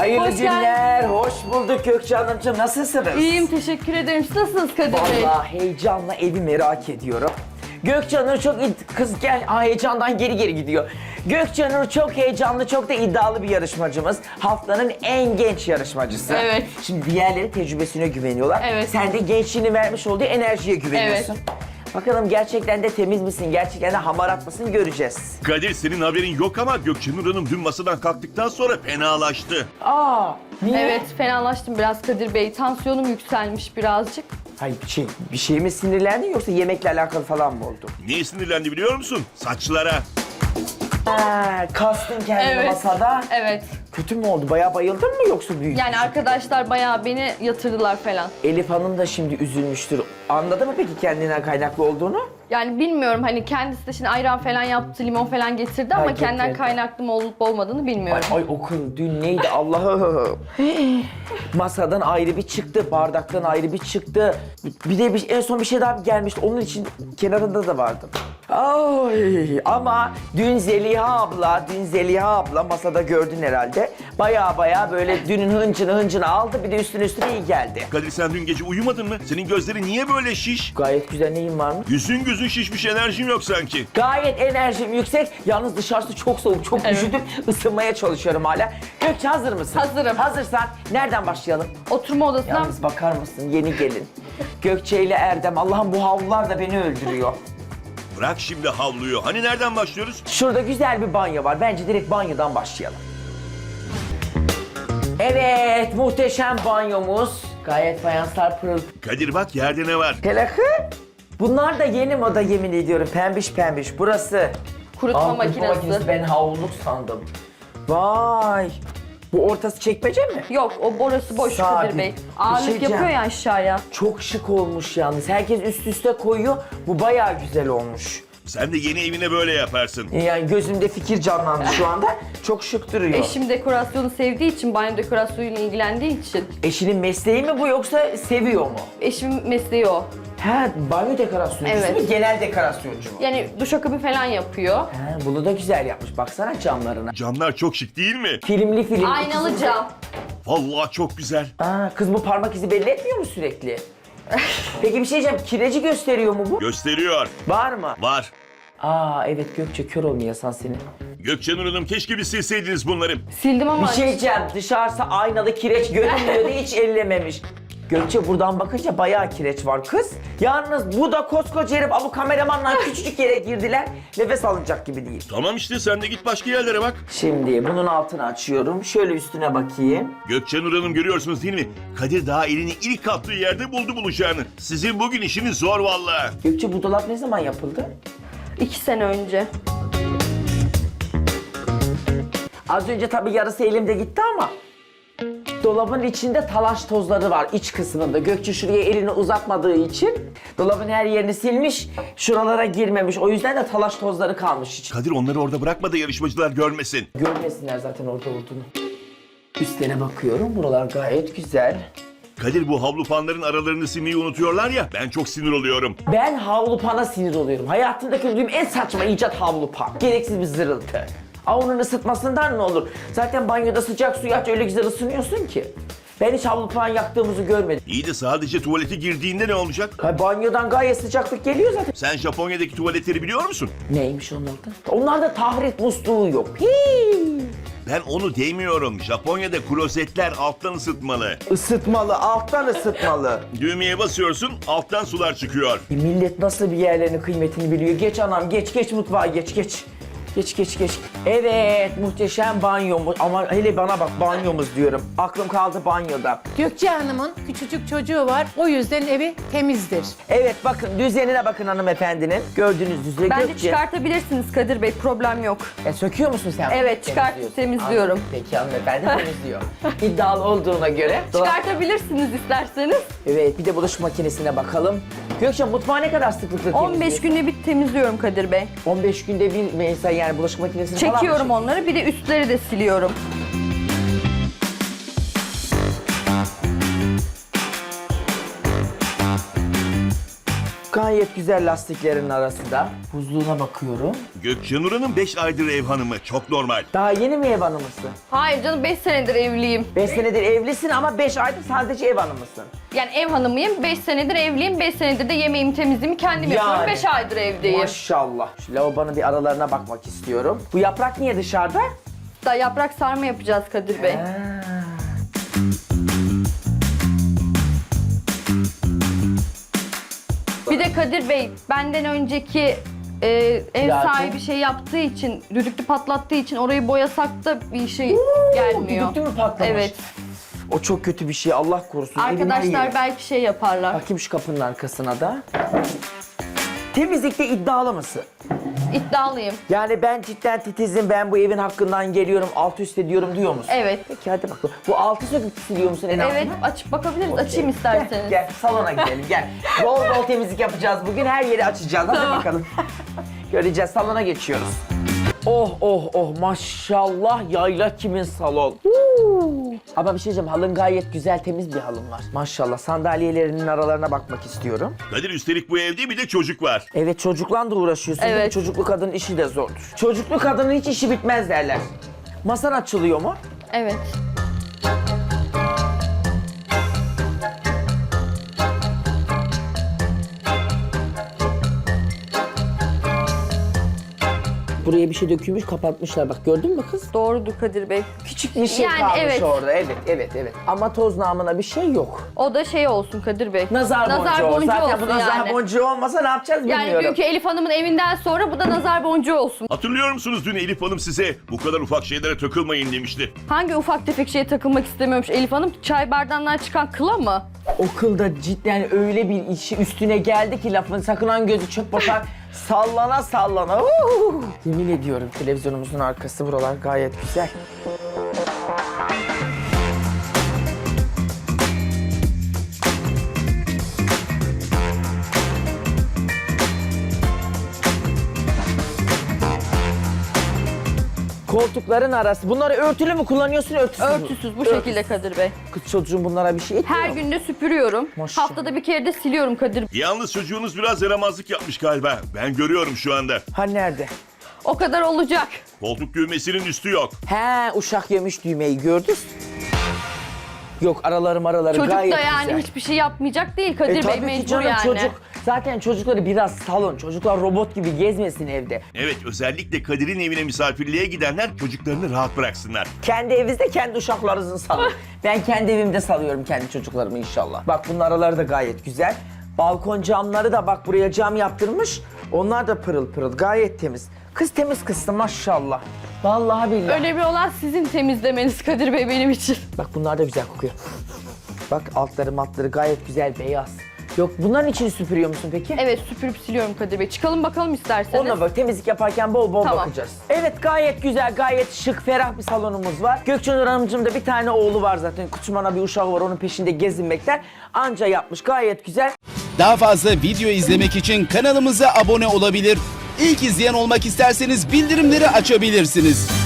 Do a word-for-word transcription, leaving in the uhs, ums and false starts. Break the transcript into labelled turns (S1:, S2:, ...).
S1: Hayırlı
S2: Hoş
S1: günler, hoş bulduk Gökçe Hanımcığım. Nasılsınız?
S2: İyiyim, teşekkür ederim. Siz nasılsınız Kadir Bey?
S1: Vallahi heyecanla evi merak ediyorum. Gökçe Hanım çok id- kız gel Aa, heyecandan geri geri gidiyor. Gökçe Hanım çok heyecanlı, çok da iddialı bir yarışmacımız. Haftanın en genç yarışmacısı.
S2: Evet.
S1: Şimdi diğerleri tecrübesine güveniyorlar.
S2: Evet.
S1: Sen de gençliğini vermiş olduğu enerjiye güveniyorsun. Bakalım gerçekten de temiz misin, gerçekten de hamarat mısın göreceğiz.
S3: Kadir senin haberin yok ama Gökçenur Hanım dün masadan kalktıktan sonra fenalaştı.
S1: Aa, niye?
S2: Evet, fenalaştım biraz Kadir Bey. Tansiyonum yükselmiş birazcık.
S1: Hayır, bir şey, bir şey mi sinirlendin yoksa yemekle alakalı falan mı oldu?
S3: Niye sinirlendi biliyor musun? Saçlara.
S1: Ha, kastın kendini
S2: Evet.
S1: masada.
S2: Evet.
S1: Kötü mü oldu? Bayağı bayıldın mı yoksa büyük?
S2: Yani arkadaşlar bayağı beni yatırdılar falan.
S1: Elif Hanım da şimdi üzülmüştür. Anladı mı peki kendinden kaynaklı olduğunu?
S2: Yani bilmiyorum hani kendisi de şimdi ayran falan yaptı, limon falan getirdi ama
S1: Ay,
S2: kendinden
S1: getirdi.
S2: kaynaklı mı olup olmadığını
S1: Ay,
S2: bilmiyorum.
S1: ay o kız dün neydi Allah'ım. Masadan ayrı bir çıktı, bardaktan ayrı bir çıktı. Bir de bir, en son bir şey daha gelmişti. Onun için kenarında da vardı. Ay, ama dün Zeliha abla, dün Zeliha abla masada gördün herhalde. Baya baya böyle dünün hıncını hıncını aldı, bir de üstüne üstüne iyi geldi.
S3: Kadir sen dün gece uyumadın mı? Senin gözlerin niye böyle şiş?
S1: Gayet güzel, neyim var mı?
S3: Yüzün gözün şişmiş, enerjin yok sanki.
S1: Gayet enerjim yüksek. Yalnız dışarısı çok soğuk, çok
S2: Evet.
S1: üşüdüm. Isınmaya çalışıyorum hala. Gökçe hazır mısın?
S2: Hazırım.
S1: Hazırsan nereden başlayalım?
S2: Oturma odasından
S1: Yalnız bakar mısın yeni gelin. Gökçe ile Erdem. Allah'ım bu havlular da beni öldürüyor.
S3: Bırak şimdi havluyu. Hani nereden başlıyoruz?
S1: Şurada güzel bir banyo var. Bence direkt banyodan başlayalım. Evet, muhteşem banyomuz. Gayet fayanslar pırıl.
S3: Kadir bak yerde ne var?
S1: Telakı. Bunlar da yeni moda yemin ediyorum. Pembiş pembiş. Burası.
S2: kurutma
S1: Aa, kurutma
S2: makinesi.
S1: Ben havluluk sandım. Vay. Bu ortası çekmece mi?
S2: Yok, o borası boş
S1: Sabit.
S2: Kadir Bey.
S1: Bir
S2: Ağırlık
S1: şey diyeceğim.
S2: yapıyor ya aşağıya.
S1: Çok şık olmuş yalnız. Herkes üst üste koyuyor. Bu bayağı güzel olmuş.
S3: Sen de yeni evine böyle yaparsın.
S1: Yani gözümde fikir canlandı şu anda. Çok şık duruyor.
S2: Eşim dekorasyonu sevdiği için, banyo dekorasyonuyla ilgilendiği için.
S1: Eşinin mesleği mi bu yoksa seviyor mu?
S2: Eşimin mesleği o.
S1: Ha, banyo dekorasyoncusu
S2: Evet.
S1: mu? Genel dekorasyoncu mu?
S2: Yani duşakabı falan yapıyor.
S1: Ha, bunu da güzel yapmış. Baksana camlarına.
S3: Camlar çok şık değil mi?
S1: Filmli film.
S2: Aynalı
S1: İkisi de-
S2: cam.
S3: Vallahi çok güzel.
S1: Aa, kız bu parmak izi belli etmiyor mu sürekli? Peki bir şey diyeceğim. Kireci gösteriyor mu bu?
S3: Gösteriyor.
S1: Var mı?
S3: Var.
S1: Aa evet Gökçe, kör olmayasan seni.
S3: Gökçenur Hanım keşke bir silseydiniz bunları.
S2: Sildim ama
S1: Bir şey diyeceğim. Dışarısı aynalı kireç görünmüyordu, hiç ellememiş. Gökçe buradan bakınca bayağı kireç var kız. Yalnız bu da koskoca herif, bu kameramanlar küçücük yere girdiler. Nefes alınacak gibi değil.
S3: Tamam işte sen de git başka yerlere bak.
S1: Şimdi bunun altını açıyorum. Şöyle üstüne bakayım.
S3: Gökçenur Hanım görüyorsunuz değil mi? Kadir daha elini ilk attığı yerde buldu bulacağını. Sizin bugün işiniz zor vallahi.
S1: Gökçe bu dolap ne zaman yapıldı?
S2: iki sene önce.
S1: Az önce tabii yarısı elimde gitti ama dolabın içinde talaş tozları var iç kısmında. Gökçe şuraya elini uzatmadığı için dolabın her yerini silmiş, şuralara girmemiş. O yüzden de talaş tozları kalmış içinde.
S3: Kadir onları orada bırakma da yarışmacılar görmesin.
S1: Görmesinler zaten orada olduğunu. Üstlerine bakıyorum. Buralar gayet güzel.
S3: Kadir bu havlu fanların aralarını silmeyi unutuyorlar ya, ben çok sinir oluyorum.
S1: Ben havlu pana sinir oluyorum. Hayatımda gördüğüm en saçma icat havlu pan. Gereksiz bir zırıltı. Aa, onun ısıtmasından ne olur? Zaten banyoda sıcak suyu aç, öyle güzel ısınıyorsun ki. Ben hiç havlu pan yaktığımızı görmedim.
S3: İyi de sadece tuvalete girdiğinde ne olacak?
S1: Ha, banyodan gayet sıcaklık geliyor zaten.
S3: Sen Japonya'daki tuvaletleri biliyor musun?
S1: Neymiş onlarda? Onlarda tahrik musluğu yok. Hii.
S3: Ben onu demiyorum. Japonya'da klozetler alttan ısıtmalı.
S1: Isıtmalı, alttan ısıtmalı.
S3: Düğmeye basıyorsun, alttan sular çıkıyor.
S1: E, millet nasıl bir yerlerinin kıymetini biliyor. Geç anam, geç geç mutfağa, geç geç. Geç geç geç. Evet, muhteşem banyomuz. Ama hele bana bak, banyomuz diyorum. Aklım kaldı banyoda.
S4: Gökçe Hanım'ın küçücük çocuğu var. O yüzden evi temizdir.
S1: Evet bakın, düzenine bakın hanımefendinin. Gördüğünüz üzere
S2: Bence
S1: Gökçe.
S2: çıkartabilirsiniz Kadir Bey, problem yok.
S1: E, söküyor musun sen?
S2: Evet, çıkart,
S1: Temizliyorsun.
S2: temizliyorum.
S1: Anladım. Peki hanımefendi temizliyor. İddialı olduğuna göre.
S2: Çıkartabilirsiniz isterseniz.
S1: Evet, bir de bulaşık makinesine bakalım. Gökçe, mutfağı ne kadar sıklıkla
S2: on beş
S1: temizliyorsun?
S2: günde bir temizliyorum Kadir Bey.
S1: on beş günde bir mesela, yani bulaşık makinesini falan mı
S2: Çekiyorum
S1: çekiyorsun?
S2: onları, bir de üstleri de siliyorum.
S1: Gayet gayet güzel lastiklerin arasında. Buzluğuna bakıyorum.
S3: Gökçenur Hanım beş aydır ev hanımı. Çok normal.
S1: Daha yeni mi ev hanımısın?
S2: Hayır canım, beş senedir evliyim.
S1: beş senedir evlisin ama beş aydır sadece ev hanımısın.
S2: Yani ev hanımıyım, beş senedir evliyim, beş senedir de yemeğimi temizliğimi kendim
S1: Yani.
S2: yapıyorum, beş aydır evdeyim.
S1: Maşallah. Şu lavabonun bir aralarına bakmak istiyorum. Bu yaprak niye dışarıda?
S2: Da yaprak sarma yapacağız Kadir Bey. Bir de Kadir Bey, benden önceki e, ev
S1: Zaten-
S2: sahibi şey yaptığı için, düdüklü patlattığı için orayı boyasak da bir şey gelmiyor.
S1: Düdüklü mü patlamış?
S2: Evet.
S1: O çok kötü bir şey, Allah korusun. Evin her
S2: Arkadaşlar
S1: yeri.
S2: belki şey yaparlar.
S1: Bakayım şu kapının arkasına da. Temizlikte iddialı mısın?
S2: İddialıyım.
S1: Yani ben cidden titizim, ben bu evin hakkından geliyorum, alt üst ediyorum diyor musun?
S2: Evet.
S1: Peki hadi bakalım. Bu altı söküp siliyor musun en
S2: Evet,
S1: altına?
S2: açıp bakabiliriz. Açayım
S1: Gel,
S2: isterseniz.
S1: Gel, salona gidelim gel. Bol bol temizlik yapacağız bugün, her yeri açacağız. Hadi
S2: Tamam.
S1: bakalım. Göreceğiz, salona geçiyoruz. Oh oh oh, maşallah, yayla kimin salon. Huu. Ama bir şey diyeceğim, halın gayet güzel, temiz bir halın var. Maşallah, sandalyelerinin aralarına bakmak istiyorum.
S3: Kadir üstelik bu evde bir de çocuk var.
S1: Evet, çocukla da uğraşıyorsun. değil mi?
S2: Evet.
S1: Çocuklu kadının işi de zordur. Çocuklu kadının hiç işi bitmez derler. Masan açılıyor mu?
S2: Evet.
S1: Buraya bir şey dökülmüş, kapatmışlar. Bak gördün mü kız?
S2: Doğrudur Kadir Bey.
S1: Küçük bir şey
S2: Yani
S1: kalmış
S2: evet.
S1: orada. Evet, evet, evet. Ama toz namına bir şey yok.
S2: O da şey olsun Kadir Bey.
S1: Nazar, boncuğu.
S2: boncuğu
S1: Zaten
S2: olsun
S1: bu nazar
S2: yani.
S1: boncuğu olmasa ne yapacağız
S2: Yani
S1: bilmiyorum.
S2: dünkü Elif Hanım'ın evinden sonra bu da nazar boncuğu olsun.
S3: Hatırlıyor musunuz dün Elif Hanım size bu kadar ufak şeylere takılmayın demişti.
S2: Hangi ufak tefek şeye takılmak istemiyormuş Elif Hanım? Çay bardağından çıkan kıla mı?
S1: O kılda cidden öyle bir işi üstüne geldi ki lafın, sakınan gözü çöp bakar. Sallana sallana. Uhu. Yemin ediyorum televizyonumuzun arkası, buralar gayet güzel. Koltukların arası. Bunları örtülü mü kullanıyorsun, örtüsüz mü?
S2: Örtüsüz bu şekilde Kadir Bey.
S1: Kız çocuğun bunlara bir şey etmiyor.
S2: Her gün de süpürüyorum.
S1: Maşallah.
S2: Haftada bir kere de siliyorum Kadir Bey.
S3: Yalnız çocuğunuz biraz yaramazlık yapmış galiba. Ben görüyorum şu anda.
S1: Ha nerede?
S2: O kadar olacak.
S3: Koltuk düğmesinin üstü yok.
S1: He, uşak yemiş düğmeyi gördün. Yok, araları maraları
S2: Çocuk
S1: gayet
S2: da yani
S1: güzel.
S2: hiçbir şey yapmayacak değil Kadir
S1: E
S2: Bey,
S1: tabii ki
S2: mecbur
S1: canım,
S2: yani.
S1: çocuk. Zaten çocukları biraz salın. Çocuklar robot gibi gezmesin evde.
S3: Evet, özellikle Kadir'in evine misafirliğe gidenler çocuklarını rahat bıraksınlar.
S1: Kendi evinizde kendi uşaklarınızı salın. Ben kendi evimde salıyorum kendi çocuklarımı inşallah. Bak bunun araları da gayet güzel. Balkon camları da bak buraya cam yaptırmış. Onlar da pırıl pırıl, gayet temiz. Kız temiz kızsın maşallah. Vallahi billahi.
S2: Önemli olan sizin temizlemeniz Kadir Bey benim için.
S1: Bak bunlar da güzel kokuyor. Bak altları matları gayet güzel, beyaz. Yok, bunların içini süpürüyor musun peki?
S2: Evet, süpürüp siliyorum Kadir Bey. Çıkalım bakalım isterseniz.
S1: Ona bak, temizlik yaparken bol bol
S2: Tamam.
S1: bakacağız. Evet, gayet güzel, gayet şık, ferah bir salonumuz var. Gökçenur Hanımcığım da bir tane oğlu var zaten. Küçümana bir uşağı var, onun peşinde gezinmekten. Anca yapmış, gayet güzel.
S5: Daha fazla video izlemek için kanalımıza abone olabilir. İlk izleyen olmak isterseniz bildirimleri açabilirsiniz.